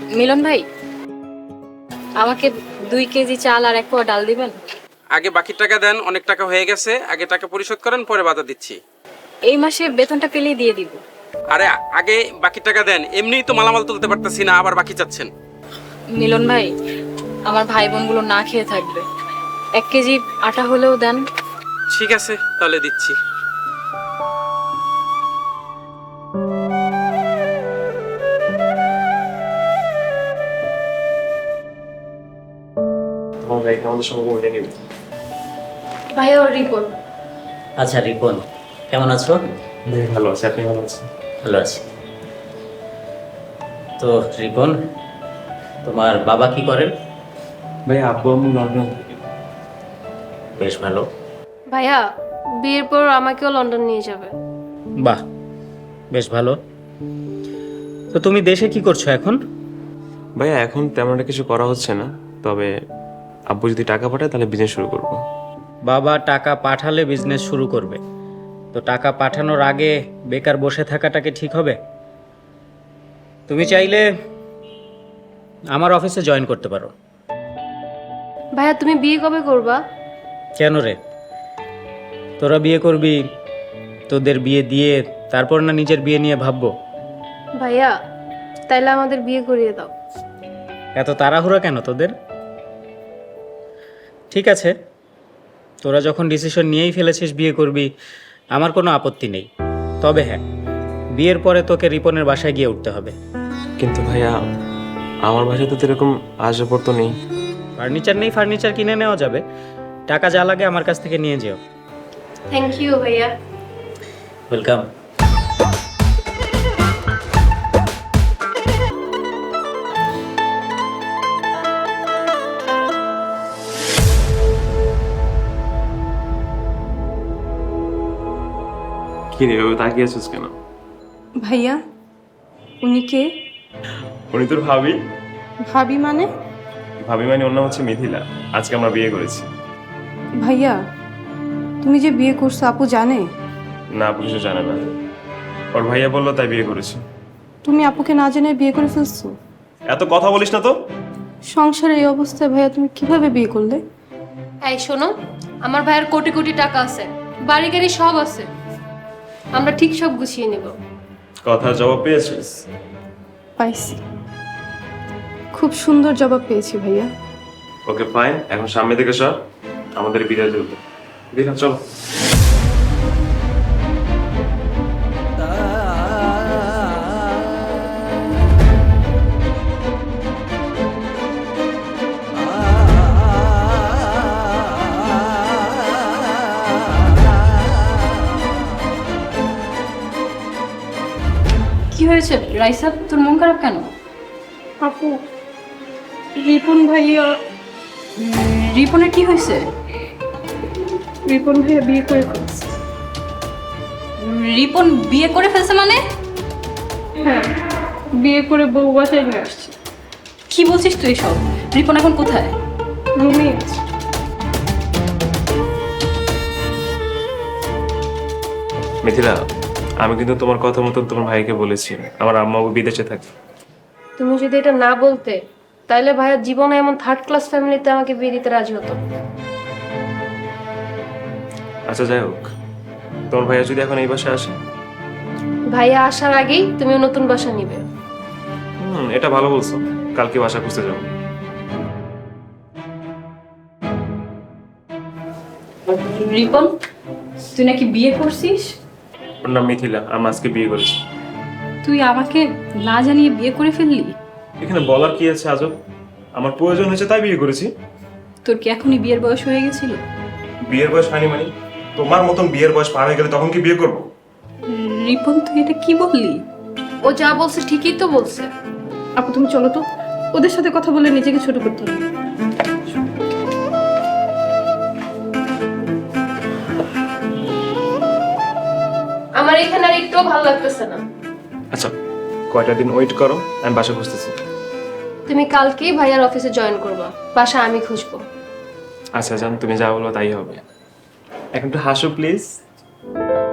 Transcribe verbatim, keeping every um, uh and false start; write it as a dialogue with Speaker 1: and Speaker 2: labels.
Speaker 1: মিলন ভাই, আমাকে দুই কেজি চাল আর এক পোয়া ডাল দিবেন।
Speaker 2: আগে বাকি টাকা দেন, অনেক টাকা হয়ে গেছে। আগে টাকা পরিশোধ করেন, পরে বাধা দিচ্ছি।
Speaker 1: এই মাসে বেতনটা পেলেই দিয়ে দিব।
Speaker 2: আরে আগে বাকি টাকা দেন, এমনিই তো মালামাল তুলতে পারতেছি না, আবার বাকি চাচ্ছেন।
Speaker 1: মিলন ভাই, আমার ভাই বোনগুলো না খেয়ে থাকবে, এক কেজি আটা হলেও দেন।
Speaker 2: ঠিক আছে, তাহলে দিচ্ছি।
Speaker 3: তোমার ভাইকে আমাদের সঙ্গে ঘুরে নিবি।
Speaker 1: ভাইয়া ওর রিপোর্ট।
Speaker 4: আচ্ছা রিপন, কেমন আছো?
Speaker 3: ভালো আছে, আপনি ভালো আছেন?
Speaker 4: ভালো আছি। তো রিপন, তোমার বাবা কি করেন?
Speaker 3: ভাই আব্বু আম্মু লন্ডন থেকে।
Speaker 4: বেশ ভালো।
Speaker 5: ভাইয়া বিয়ের পর আমাকেও লন্ডন নিয়ে যাবে।
Speaker 4: বাহ, বেশ ভালো। তো তুমি দেশে কি করছো এখন?
Speaker 3: ভাইয়া এখন তেমন একটা কিছু করা হচ্ছে না, তবে আব্বু যদি টাকা পাঠায় তাহলে বিজনেস শুরু করবো।
Speaker 4: বাবা টাকা পাঠালে বিজনেস শুরু করবে, তো টাকা পাঠানোর আগে বেকার বসে থাকাটাকে ঠিক হবে? তুমি চাইলে আমার অফিসে জয়েন করতে পারো।
Speaker 5: ভাইয়া তুমি বিয়ে কবে করবা?
Speaker 4: কেন রে, তোরা বিয়ে করবি, তোদের বিয়ে দিয়ে তারপর না নিজের বিয়ে নিয়ে ভাববো?
Speaker 5: ভাইয়া তাইলে আমাদের বিয়ে করিয়ে দাও।
Speaker 4: এত তাড়াহুড়া কেন তোদের? ঠিক আছে, তোরা যখন ডিসিশন নিয়েই ফেলেছিস বিয়ে করবি, আমার কোনো আপত্তি নেই। তবে হ্যাঁ, বিয়ের পরে তোকে রিপনের বাসায় গিয়ে উঠতে হবে।
Speaker 3: কিন্তু ভাইয়া আমার বাসায় তো এরকম আসবাব তো নেই।
Speaker 4: ফার্নিচার নেই, ফার্নিচার কিনে নেওয়া যাবে। টাকা যা লাগে আমার কাছ থেকে নিয়ে যেও।
Speaker 5: থ্যাংক ইউ ভাইয়া।
Speaker 4: ওয়েলকাম।
Speaker 3: কি রে এভাবে তাকিয়ে আছিস কেন?
Speaker 6: ভাইয়া উনি কে?
Speaker 3: উনি তোর ভাবি।
Speaker 6: ভাবি মানে?
Speaker 3: ভাবি মানে ওর নাম হচ্ছে মিথিলা। আজকে আমরা বিয়ে করেছি।
Speaker 6: ভাইয়া তুমি যে বিয়ে করছো আপু জানে?
Speaker 3: না, আপু কিছু জানে না, ওর ভাইয়া বললো তাই বিয়ে করেছি।
Speaker 6: তুমি আপুকে না জেনে বিয়ে করে ফেলছো?
Speaker 3: এত কথা বলিস না তো।
Speaker 6: সংসারের এই অবস্থায় ভাইয়া তুমি কিভাবে বিয়ে করলে?
Speaker 5: এই শোনো, আমার ভাইয়ের কোটি কোটি টাকা আছে, বাড়ি গাড়ি সব আছে, আমরা ঠিক সব গুছিয়ে নেব।
Speaker 3: কথার জবাব পেয়েছিস?
Speaker 6: পাইছি, খুব সুন্দর জবাব পেয়েছি ভাইয়া।
Speaker 3: ওকে ফাইন, এখন সামনে থেকে সর, আমাদের বিদায় চলবে। বিদায় চলো।
Speaker 1: কি হয়েছে রাইসা, তোর মন খারাপ কেন?
Speaker 6: আপু রিপন ভাইয়া
Speaker 1: রিপনের কি হয়েছে?
Speaker 6: রিপন ভাইয়া বিয়ে করে ফেলছে।
Speaker 1: রিপন বিয়ে করে ফেলছে মানে?
Speaker 6: হ্যাঁ, বিয়ে করে বউ বাসায় নিয়ে আসছে।
Speaker 1: কি বলছিস তুই সব? রিপন এখন কোথায়?
Speaker 6: রুমে আছে।
Speaker 3: মিথিলা, আমি কিন্তু তোমার কথা মতো তোমার ভাইকে বলেছি আমার আম্মা বিদেশে থাকে।
Speaker 5: তুমি যদি এটা না বলতে তাইলে ভাইয়া জীবনে এমন থার্ড ক্লাস ফ্যামিলিতে আমাকে বিয়ে দিতে রাজি হতো।
Speaker 3: আচ্ছা যাই হোক, তোমার ভাইয়া যদি এখন এই বাসায় আসে?
Speaker 5: ভাইয়া আসার আগেই তুমিও নতুন বাসা নিবে।
Speaker 3: হুম, এটা ভালো বলছো, কালকে বাসা খুঁজতে যাবো।
Speaker 1: রিপন, তুই নাকি বিয়ে করছিস?
Speaker 3: ওর নাম মিথিলা, আমি আজকে বিয়ে করেছি।
Speaker 1: তুই আমাকে না জানিয়ে বিয়ে করে ফেললি?
Speaker 3: এখানে বলার কি আছে আজব? আমার প্রয়োজন হয়েছে তাই বিয়ে করেছি।
Speaker 1: তোর কি এখনই বিয়ের বয়স হয়ে গেছিল?
Speaker 3: বিয়ের বয়স হয়নি মানে? তোমার মতন বিয়ের বয়স পার হয়ে গেলে তখন কি বিয়ে করবো?
Speaker 1: রিপন, তুই এটা কি বললি?
Speaker 5: ও যা বলছে ঠিকই তো বলছে।
Speaker 6: আপু তুমি চলো তো, ওদের সাথে কথা বলে নিজেকে ছোট করতে হবে।
Speaker 5: আমার এখানে আর একটুও ভালো লাগতেছে না।
Speaker 3: আচ্ছা কয়টা দিন ওয়েট করো, আমি বাসা খুঁজতেছি।
Speaker 5: তুমি কালকেই ভাইয়ার অফিসে জয়েন করবা, বাসা আমি খুঁজবো।
Speaker 3: আচ্ছা জান, তুমি যা বলো তাই হবে। এখন একটু হাসো প্লিজ।